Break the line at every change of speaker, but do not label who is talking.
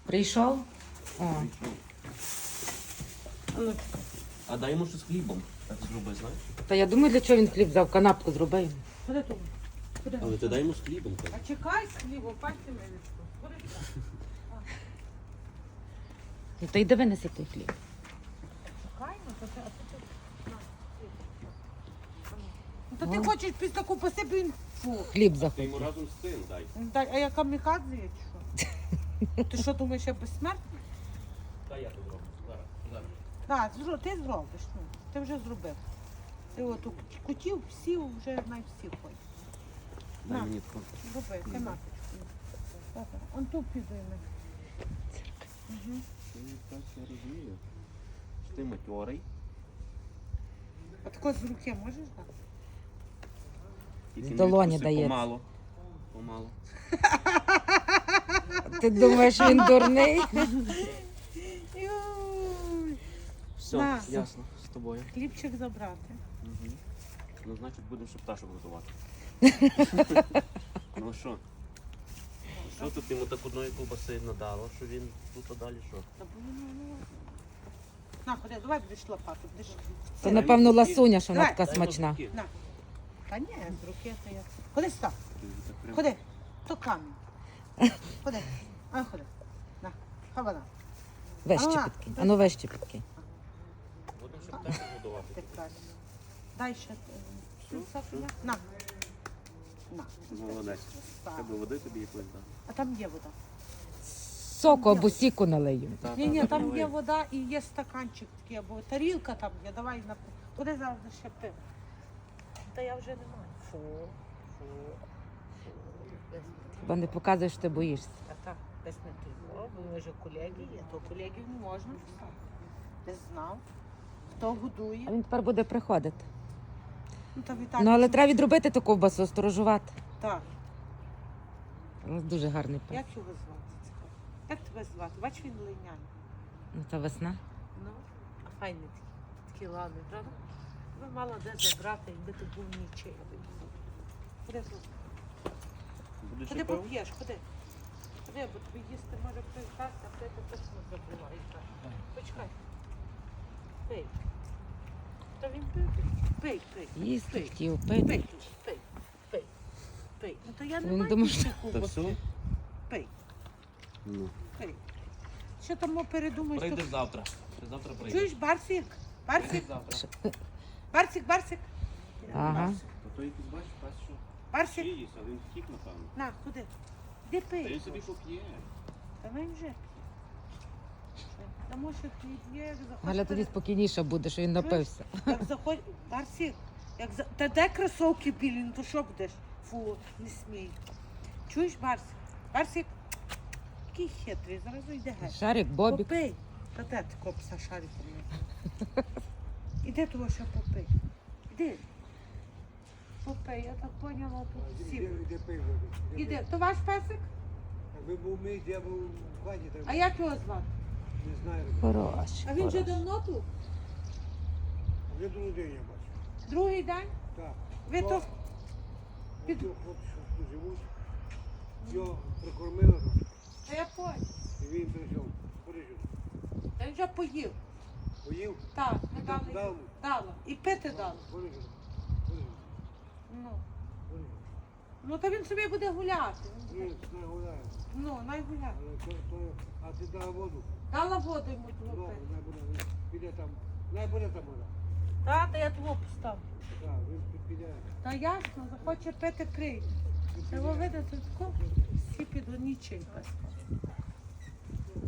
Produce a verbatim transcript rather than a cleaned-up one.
Прийшов? О.
Ну,
А дай йому щось з хлібом. Так зроби, знаєш?
Та я думаю, для чого він хліб взяв, канапку зроби йому.
Куди тут? Куди?
Але ти дай йому з хлібом. так.
А чекай з хлібом, пальцями відску. Куди так?
Ну, та йди винеси той хліб.
Чекай, ну, то ти, а то ти... На, хліб. Ну, то ти хочеш після таку посипі він... Фу.
Хліб
Ти
захоче.
йому разом з цим дай.
Дай, а я камікадзе є, чи що? Ти що думаєш, я безсмертний?
Та я тут зроблю. Зараз, зараз.
Так, зро- ти зробиш, ну. Ти вже зробив. Ти от у кутів всі вже навіть всі ходять.
Дай
На.
мені таку.
Роби, тематичку. Добре. Он тут підійме. Угу.
Ти так, я розумію. Що ти матьорий.
А тако з руки можеш дати?
Тільки
З
не
долоні
відкуси,
дається.
Помало. Помало.
Ти думаєш, він дурний?
Юй.
Все,
На.
ясно, з тобою.
Хлібчик забрати.
Угу. Ну, значить, будемо ще пташок готувати. Ну що? Що тут йому так одної ковбаси надало, що він тут а далі що?
Та бо воно, ну, на, ходи, давай будеш лопату. Будеш...
Це, напевно, ласуня, що вона
Давай.
така
Дай йому
смачна.
такі.
На. Та ні, з руки то я. Ходи сюди.
Ти вже так прям-
Ходи. То камінь. Ходи. А, ходи. На. Хавана.
Вище
Ага.
підкинь. Ану, вище підкинь.
Будемо ще пташок годувати.
Ти правильно. Дай ще. е, цю сафіля. На. На.
Молодець.
Так.
Треба води тобі якось дати.
А там є вода.
Соку або сіку налию.
Та,
Ні,
та,
ні,
та,
там
наливай.
є вода і є стаканчик такий, або тарілка там є. Давай на куди завжди ще пив. Та я вже не маю. Фу, фу, фу. Десь не
Бо не показуєш, що ти боїшся.
А так, десь не ти. Бо ми вже колеги є, то колегів не можна писати. Не знав. Хто годує.
А він тепер буде приходити.
Ну, та Віталій,
Ну, але
що-
треба відробити ту ковбасу, сторожувати.
Так.
У нас дуже гарний пес.
Як його звати? Цікаво. Як тебе звати? Бач, він линяє.
Ну, та весна.
Ну, а файний такий. Такий ладний, правда? Ви мала де забрати, якби ти був нічий. Куди тут?
Будеш
Куди
ще пив?
поп'єш? Куди? Куди? Бо тобі їсти може хтось дасть, а ти точно забуваєш. Почекай. Пий. Та він пив. Пий, пий.
Їсти
Пий.
хотів,
Пий,
пити.
пий, пий, пий. Ну то я не
Він
маю
думав,
більше
Та
ковбаси.
все?
Пий,
Ну.
пий. Що там передумаєш?
Прийдеш
тут?
завтра. Ти завтра прийдеш.
Чуєш, Барсик? Барсик?
Прийдеш завтра.
Барсик, Барсик?
Ага.
То той якийсь бачиш, пес що?
Барсик?
Чиїсь, а він втік, напевно.
На, куди? Де
Та він
пий?
собі поп'є.
Та він вже п'є. Тому що ти є, як захочеш.
Галя тоді спокійніше буде, що він напився.
Як заходь, Барсик, як за... Та де кросовки білі, ну то що будеш? Фу, не смій. Чуєш, Барсик? Барсик, який хитрий, зараз йде геть.
Шарик, Бобік.
Попий. Та де ти копса шариком не? Іди того, що попий. Іди. Попий, я так поняла, тут всі. Іди. То ваш песик?
Якби був мій, я був в хаті, так
А як його звати?
не знаю.
Хороший.
А він вже
хороший.
давно тут?
Вже другий день я бачу.
Другий день?
Так.
Ви то...
Під... Хлопці, що тут живуть, його прикормили,
Та я понял.
і він прийшов. Поріжу.
Та він вже поїв.
Поїв,
Так, ми дали.
дав,
Дала. І пити дала.
поріжу. Поріжу.
Ну.
Поріжу.
Ну, то він собі буде гуляти.
Ні, не гуляє.
Ну, най гуляє.
Але то, то, а ти дала воду.
Дала воду йому
Ну,
того пити.
не буде, він піде там. Не буде там вода.
Та, та я того поставлю.
Так, він під- піде.
Та ясно, захоче пити прийде. Треба видати тако, всі підуть нічий пес.